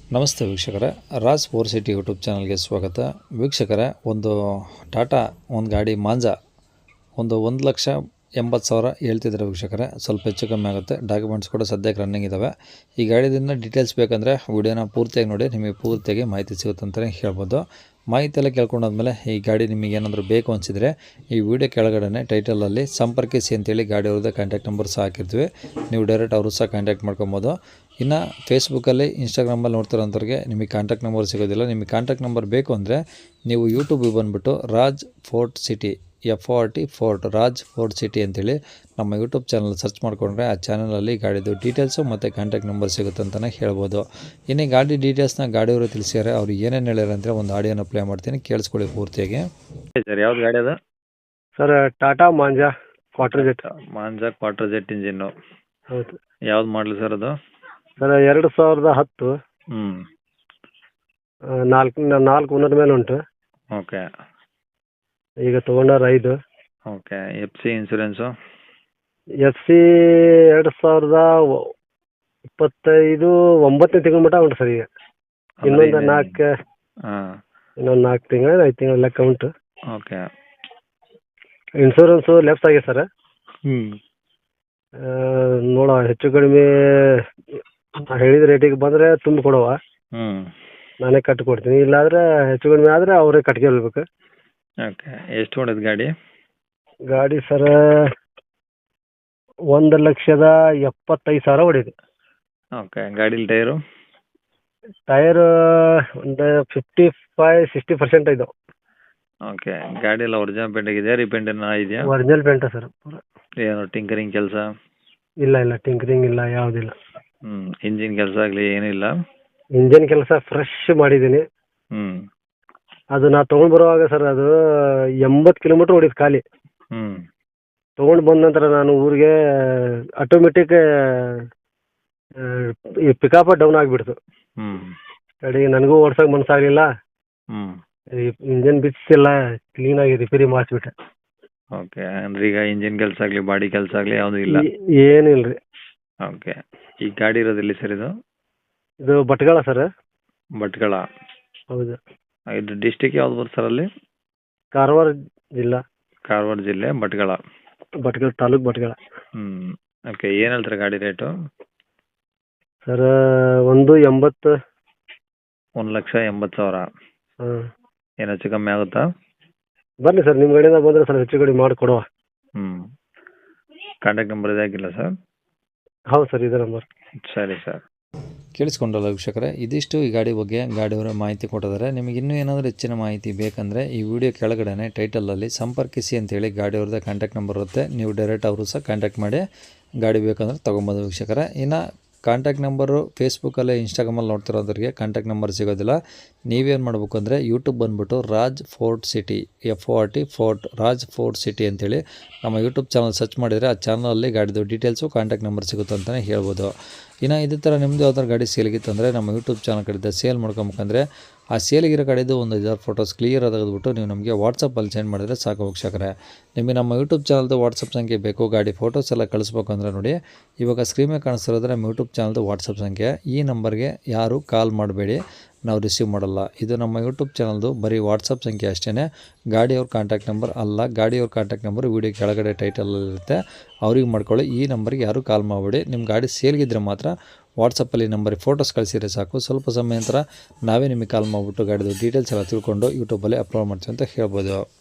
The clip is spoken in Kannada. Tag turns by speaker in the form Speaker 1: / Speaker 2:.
Speaker 1: ನಮಸ್ತೆ ವೀಕ್ಷಕರೇ, ರಾಜ್ ಫೋರ್ ಸಿಟಿ ಯೂಟ್ಯೂಬ್ ಚಾನಲ್ಗೆ ಸ್ವಾಗತ. ವೀಕ್ಷಕರೇ, ಒಂದು ಟಾಟಾ ಒಂದು ಗಾಡಿ ಮಾಂಜಾ ಒಂದು 1,80,000 ಹೇಳ್ತಿದ್ದಾರೆ ವೀಕ್ಷಕರೇ. ಸ್ವಲ್ಪ ಹೆಚ್ಚು ಕಮ್ಮಿ ಆಗುತ್ತೆ. ಡಾಕ್ಯುಮೆಂಟ್ಸ್ ಕೂಡ ಸದ್ಯಕ್ಕೆ ರನ್ನಿಂಗ್ ಇದ್ದಾವೆ. ಈ ಗಾಡಿದಿಂದ ಡೀಟೇಲ್ಸ್ ಬೇಕಂದರೆ ವಿಡಿಯೋನ ಪೂರ್ತಿಯಾಗಿ ನೋಡಿ, ನಿಮಗೆ ಪೂರ್ತಿಯಾಗಿ ಮಾಹಿತಿ ಸಿಗುತ್ತೆ ಅಂತಲೇ ಹೇಳ್ಬೋದು. ಮಾಹಿತಿ ಎಲ್ಲ ಕೇಳ್ಕೊಂಡಾದ್ಮೇಲೆ ಈ ಗಾಡಿ ನಿಮಗೆ ಏನಾದರೂ ಬೇಕು ಅನಿಸಿದರೆ ಈ ವಿಡಿಯೋ ಕೆಳಗಡೆ ಟೈಟಲಲ್ಲಿ ಸಂಪರ್ಕಿಸಿ ಅಂತೇಳಿ ಗಾಡಿ ಅವ್ರದ್ದು ಕಾಂಟ್ಯಾಕ್ಟ್ ನಂಬರ್ ಸಹ ಹಾಕಿರ್ತೀವಿ. ನೀವು ಡೈರೆಕ್ಟ್ ಅವರು ಸಹ ಕಾಂಟ್ಯಾಕ್ಟ್ ಮಾಡ್ಕೊಬೋದು. ಇನ್ನು ಫೇಸ್ಬುಕ್ಕಲ್ಲಿ ಇನ್ಸ್ಟಾಗ್ರಾಮಲ್ಲಿ ನೋಡ್ತಿರೋಂಥವ್ರಿಗೆ ನಿಮಗೆ ಕಾಂಟ್ಯಾಕ್ಟ್ ನಂಬರ್ ಸಿಗೋದಿಲ್ಲ. ನಿಮಗೆ ಕಾಂಟ್ಯಾಕ್ಟ್ ನಂಬರ್ ಬೇಕು ಅಂದರೆ ನೀವು ಯೂಟ್ಯೂಬಿಗೆ ಬಂದುಬಿಟ್ಟು Raj fort city FORT Raj fort city ಅಂತೇಳಿ ನಮ್ಮ ಯೂಟ್ಯೂಬ್ ಚಾನಲ್ ಸರ್ಚ್ ಮಾಡಿಕೊಂಡ್ರೆ ಆ ಚಾನಲಲ್ಲಿ ಗಾಡಿದು ಡೀಟೇಲ್ಸು ಮತ್ತು ಕಾಂಟ್ಯಾಕ್ಟ್ ನಂಬರ್ ಸಿಗುತ್ತೆ ಅಂತಲೇ ಹೇಳ್ಬೋದು. ಇನ್ನು ಗಾಡಿ ಡೀಟೇಲ್ಸ್ನ ಗಾಡಿಯವರು ತಿಳಿಸಿದ್ದಾರೆ. ಅವ್ರು ಏನೇನು ಹೇಳ್ಯಾರ ಅಂದರೆ ಒಂದು ಆಡಿಯೋನ ಪ್ಲೇ ಮಾಡ್ತೀನಿ, ಕೇಳಿಸ್ಕೊಳ್ಳಿ ಪೂರ್ತಿಯಾಗಿ.
Speaker 2: ಸರ್ ಯಾವ್ದು ಗಾಡಿ ಅದು?
Speaker 3: Sir Tata Manza Quadrajet.
Speaker 2: Manza Quadrajet engine.
Speaker 3: ಹೌದು
Speaker 2: ಯಾವ್ದು ಮಾಡಲಿ ಸರ್ ಅದು?
Speaker 3: ಸರ್ 2010.
Speaker 2: ಹ್ಞೂ.
Speaker 3: ನಾಲ್ಕು ಓನರ್ ಮೇಲೆ ಉಂಟು.
Speaker 2: ಓಕೆ
Speaker 3: ಈಗ ತೊಗೊಂಡಾರ 5.
Speaker 2: ಓಕೆ. FC insurance?
Speaker 3: FC 2025 9ನೇ ತಿಂಗಳ ಮಟ್ಟ ಉಂಟು ಸರ್. ಈಗ ಇನ್ನೊಂದು 4
Speaker 2: ಹಾಂ.
Speaker 3: ಇನ್ನೊಂದು 4 ತಿಂಗಳು 5 ತಿಂಗಳ ಲೆಕ್ಕ ಉಂಟು.
Speaker 2: ಓಕೆ.
Speaker 3: ಇನ್ಸೂರೆನ್ಸು ಲೆಫ್ಟ್ ಆಗಿದೆ ಸರ್.
Speaker 2: ಹ್ಞೂ.
Speaker 3: ನೋಡುವ, ಹೆಚ್ಚು ಕಡಿಮೆ ಹೇಳಿದ ರೇಟಿಗೆ ಬಂದರೆ ತುಂಬ ಕೊಡುವ,
Speaker 2: ಹ್ಞೂ.
Speaker 3: ನಾನೇ ಕಟ್ಟಿ ಕೊಡ್ತೀನಿ. ಇಲ್ಲಾಂದರೆ ಹೆಚ್ಚು ಕಡಿಮೆ ಆದರೆ ಅವರೇ ಕಟ್ಕೊಳ್ಬೇಕು.
Speaker 2: ಓಕೆ. ಎಷ್ಟು ಹೊಡೆದ ಗಾಡಿ?
Speaker 3: ಗಾಡಿ ಸರ್ 1,75,000 ಹೊಡಿದೆ.
Speaker 2: ಓಕೆ. ಗಾಡೀಲಿ ಟೈರು?
Speaker 3: ಟೈರ್ ಒಂದು 55-60% ಇದಾವೆ.
Speaker 2: ಓಕೆ. ಗಾಡಿ ಎಲ್ಲ ಒರಿಜಿನಲ್ ಪೇಂಟ್ ಆಗಿದೆಯಾ, ರೀಪೇಂಟ್ ಏನೋ ಇದೆಯಾ?
Speaker 3: ಒರಿಜಿನಲ್ ಪೇಂಟ ಸರ್ ಪೂರ.
Speaker 2: ಏನು ಟಿಂಕರಿಂಗ್ ಕೆಲಸ?
Speaker 3: ಇಲ್ಲ ಟಿಂಕರಿಂಗ್ ಇಲ್ಲ, ಯಾವುದಿಲ್ಲ.
Speaker 2: ಹ್ಞೂ. ಇಂಜಿನ್ ಕೆಲಸ ಆಗಲಿ ಏನೂ ಇಲ್ಲ?
Speaker 3: ಇಂಜನ್ ಕೆಲಸ ಫ್ರೆಶ್ ಮಾಡಿದ್ದೀನಿ.
Speaker 2: ಹ್ಞೂ.
Speaker 3: ಅದು ನಾ ತೊಗೊಂಡು ಬರುವಾಗ ಸರ್ ಅದು 80 ಕಿಲೋಮೀಟ್ರ್ ಹೊಡಿತು ಖಾಲಿ.
Speaker 2: ಹ್ಞೂ.
Speaker 3: ತೊಗೊಂಡು ಬಂದ ನಂತರ ನಾನು ಊರಿಗೆ ಆಟೋಮೆಟಿಕ್ ಈ ಪಿಕಪ್ ಡೌನ್ ಆಗಿಬಿಡ್ತು.
Speaker 2: ಹ್ಞೂ.
Speaker 3: ಕಡೆಗೆ ನನಗೂ ಓಡ್ಸೋಕೆ ಮನಸ್ಸಾಗಲಿಲ್ಲ.
Speaker 2: ಹ್ಞೂ.
Speaker 3: ಈ ಇಂಜನ್ ಬಿಚ್ಚಿಲ್ಲ, ಕ್ಲೀನಾಗಿ ರಿಪೇರಿ ಮಾಡಿಸ್ಬಿಟ್ಟೆ.
Speaker 2: ಓಕೆ. ಅಂದ್ರೆ ಈಗ ಇಂಜಿನ್ ಕೆಲಸ ಆಗಲಿ ಬಾಡಿ ಕೆಲಸ ಆಗಲಿ ಯಾವುದೂ ಇಲ್ಲ?
Speaker 3: ಏನಿಲ್ಲ ರೀ.
Speaker 2: ಓಕೆ. ಈ ಗಾಡಿ ಇರೋದಿಲ್ಲ ಸರ್ ಇದು?
Speaker 3: ಇದು ಭಟ್ಕಳ ಸರ್.
Speaker 2: ಭಟ್ಕಳ?
Speaker 3: ಹೌದು.
Speaker 2: ಇದು ಡಿಸ್ಟಿಕ್ ಯಾವ್ದು ಬರುತ್ತೆ ಸರ್ ಅಲ್ಲಿ?
Speaker 3: ಕಾರವಾರ ಜಿಲ್ಲಾ.
Speaker 2: ಕಾರವಾರ ಜಿಲ್ಲೆ ಭಟ್ಕಳ?
Speaker 3: ಭಟ್ಕಳ ತಾಲೂಕು ಭಟ್ಕಳ.
Speaker 2: ಹ್ಞೂ. ಓಕೆ. ಏನು ಹೇಳ್ತಾರೆ ಗಾಡಿ ರೇಟು?
Speaker 3: ಸರ್ 1,80,000.
Speaker 2: 1,80,000?
Speaker 3: ಹಾಂ.
Speaker 2: ಏನು ಹೆಚ್ಚು ಕಮ್ಮಿ ಆಗುತ್ತಾ?
Speaker 3: ಬನ್ನಿ ಸರ್, ನಿಮ್ಮ ಕಡೆಯಿಂದ ಬಂದರೆ ಸರ್ ಹೆಚ್ಚು ಕಡಿಮೆ ಮಾಡಿಕೊಡುವ.
Speaker 2: ಹ್ಞೂ. ಕಾಂಟ್ಯಾಕ್ಟ್ ನಂಬರ್ ಇದೆ ಹಾಕಿಲ್ಲ ಸರ್?
Speaker 3: ಹೌದು ಸರ್, ಇದೇ ನಂಬರ್.
Speaker 2: ಸರಿ ಸರ್.
Speaker 1: ಕೇಳಿಸ್ಕೊಂಡ್ರಲ್ಲ ವೀಕ್ಷಕರೇ, ಇದಿಷ್ಟು ಈ ಗಾಡಿ ಬಗ್ಗೆ ಗಾಡಿಯವರ ಮಾಹಿತಿ ಕೊಟ್ಟಿದ್ದಾರೆ. ನಿಮಗೆ ಇನ್ನೂ ಏನಾದರೂ ಹೆಚ್ಚಿನ ಮಾಹಿತಿ ಬೇಕಂದರೆ ಈ ವಿಡಿಯೋ ಕೆಳಗಡೆ ಟೈಟಲಲ್ಲಿ ಸಂಪರ್ಕಿಸಿ ಅಂತೇಳಿ ಗಾಡಿಯವ್ರದ್ದು ಕಾಂಟ್ಯಾಕ್ಟ್ ನಂಬರ್ ಇರುತ್ತೆ. ನೀವು ಡೈರೆಕ್ಟ್ ಅವರು ಸಹ ಕಾಂಟ್ಯಾಕ್ಟ್ ಮಾಡಿ ಗಾಡಿ ಬೇಕಂದ್ರೆ ತೊಗೊಬೋದು ವೀಕ್ಷಕರೇ. ಇನ್ನು ಕಾಂಟ್ಯಾಕ್ಟ್ ನಂಬರು ಫೇಸ್ಬುಕ್ಕಲ್ಲಿ ಇನ್ಸ್ಟಾಗ್ರಾಮಲ್ಲಿ ನೋಡ್ತಿರೋದ್ರಿಗೆ ಕಾಂಟ್ಯಾಕ್ಟ್ ನಂಬರ್ ಸಿಗೋದಿಲ್ಲ. ನೀವೇನು ಮಾಡಬೇಕು ಅಂದರೆ ಯೂಟ್ಯೂಬ್ ಬಂದುಬಿಟ್ಟು Raj fort city FORT Raj fort city ಅಂತೇಳಿ ನಮ್ಮ ಯೂಟ್ಯೂಬ್ ಚಾನಲ್ ಸರ್ಚ್ ಮಾಡಿದರೆ ಆ ಚಾನಲಲ್ಲಿ ಗಾಡಿದು ಡೀಟೇಲ್ಸು ಕಾಂಟ್ಯಾಕ್ಟ್ ನಂಬರ್ ಸಿಗುತ್ತೆ ಅಂತಲೇ ಹೇಳ್ಬೋದು. ಇನ್ನು ಇದೇ ಥರ ನಿಮ್ಮದು ಯಾವ್ದಾದ್ರು ಗಾಡಿ ಸೇಲಿಗಿತ್ತಂದರೆ ನಮ್ಮ ಯೂಟ್ಯೂಬ್ ಚಾನಲ್ ಕಡೆಯಿಂದ ಸೇಲ್ ಮಾಡ್ಕೊಬೇಕಂದ್ರೆ ಆ ಸೇಲಿಗಿರೋ ಗಾಡಿದು ಒಂದು 5 ಫೋಟೋಸ್ ಕ್ಲಿಯರ್ ತೆಗೆದುಬಿಟ್ಟು ನೀವು ನಮಗೆ ವಾಟ್ಸಪ್ಪಲ್ಲಿ ಸೆಂಡ್ ಮಾಡಿದರೆ ಸಾಕು ವೀಕ್ಷಕರೇ. ನಿಮಗೆ ನಮ್ಮ ಯೂಟ್ಯೂಬ್ ಚಾನಲ್ದು ವಾಟ್ಸಪ್ ಸಂಖ್ಯೆ ಬೇಕು, ಗಾಡಿ ಫೋಟೋಸ್ ಎಲ್ಲ ಕಳಿಸ್ಬೇಕು ಅಂದರೆ ನೋಡಿ, ಇವಾಗ ಸ್ಕ್ರೀನ್ ಮೇಲೆ ಕಾಣಿಸ್ತಿರೋದ್ರೆ ನಮ್ಮ ಯೂಟ್ಯೂಬ್ ಚಾನಲ್ದು ವಾಟ್ಸಪ್ ಸಂಖ್ಯೆ. ಈ ನಂಬರ್ಗೆ ಯಾರು ಕಾಲ್ ಮಾಡಬೇಡಿ, ನಾವು ರಿಸೀವ್ ಮಾಡಲ್ಲ. ಇದು ನಮ್ಮ ಯೂಟ್ಯೂಬ್ ಚಾನಲ್ದು ಬರೀ ವಾಟ್ಸಪ್ ಸಂಖ್ಯೆ ಅಷ್ಟೇ, ಗಾಡಿಯವ್ರ ಕಾಂಟ್ಯಾಕ್ಟ್ ನಂಬರ್ ಅಲ್ಲ. ಗಾಡಿಯವ್ರ ಕಾಂಟ್ಯಾಕ್ಟ್ ನಂಬರ್ ವಿಡಿಯೋ ಕೆಳಗಡೆ ಟೈಟಲಲ್ಲಿರುತ್ತೆ, ಅವ್ರಿಗೆ ಮಾಡ್ಕೊಳ್ಳಿ. ಈ ನಂಬರ್ಗೆ ಯಾರೂ ಕಾಲ್ ಮಾಡಬೇಡಿ. ನಿಮ್ಮ ಗಾಡಿ ಸೇಲ್ಗಿದ್ರೆ ಮಾತ್ರ ವಾಟ್ಸಪ್ಪಲ್ಲಿ ನಂಬರಿಗೆ ಫೋಟೋಸ್ ಕಳಿಸಿದ್ರೆ ಸಾಕು. ಸ್ವಲ್ಪ ಸಮಯ ನಂತರ ನಾವೇ ನಿಮಗೆ ಕಾಲ್ ಮಾಡಿಬಿಟ್ಟು ಗಾಡಿದು ಡೀಟೇಲ್ಸ್ ಎಲ್ಲ ತಿಳ್ಕೊಂಡು ಯೂಟ್ಯೂಬಲ್ಲಿ ಅಪ್ಲೋಡ್ ಮಾಡ್ತೀವಿ ಅಂತ ಹೇಳ್ಬೋದು.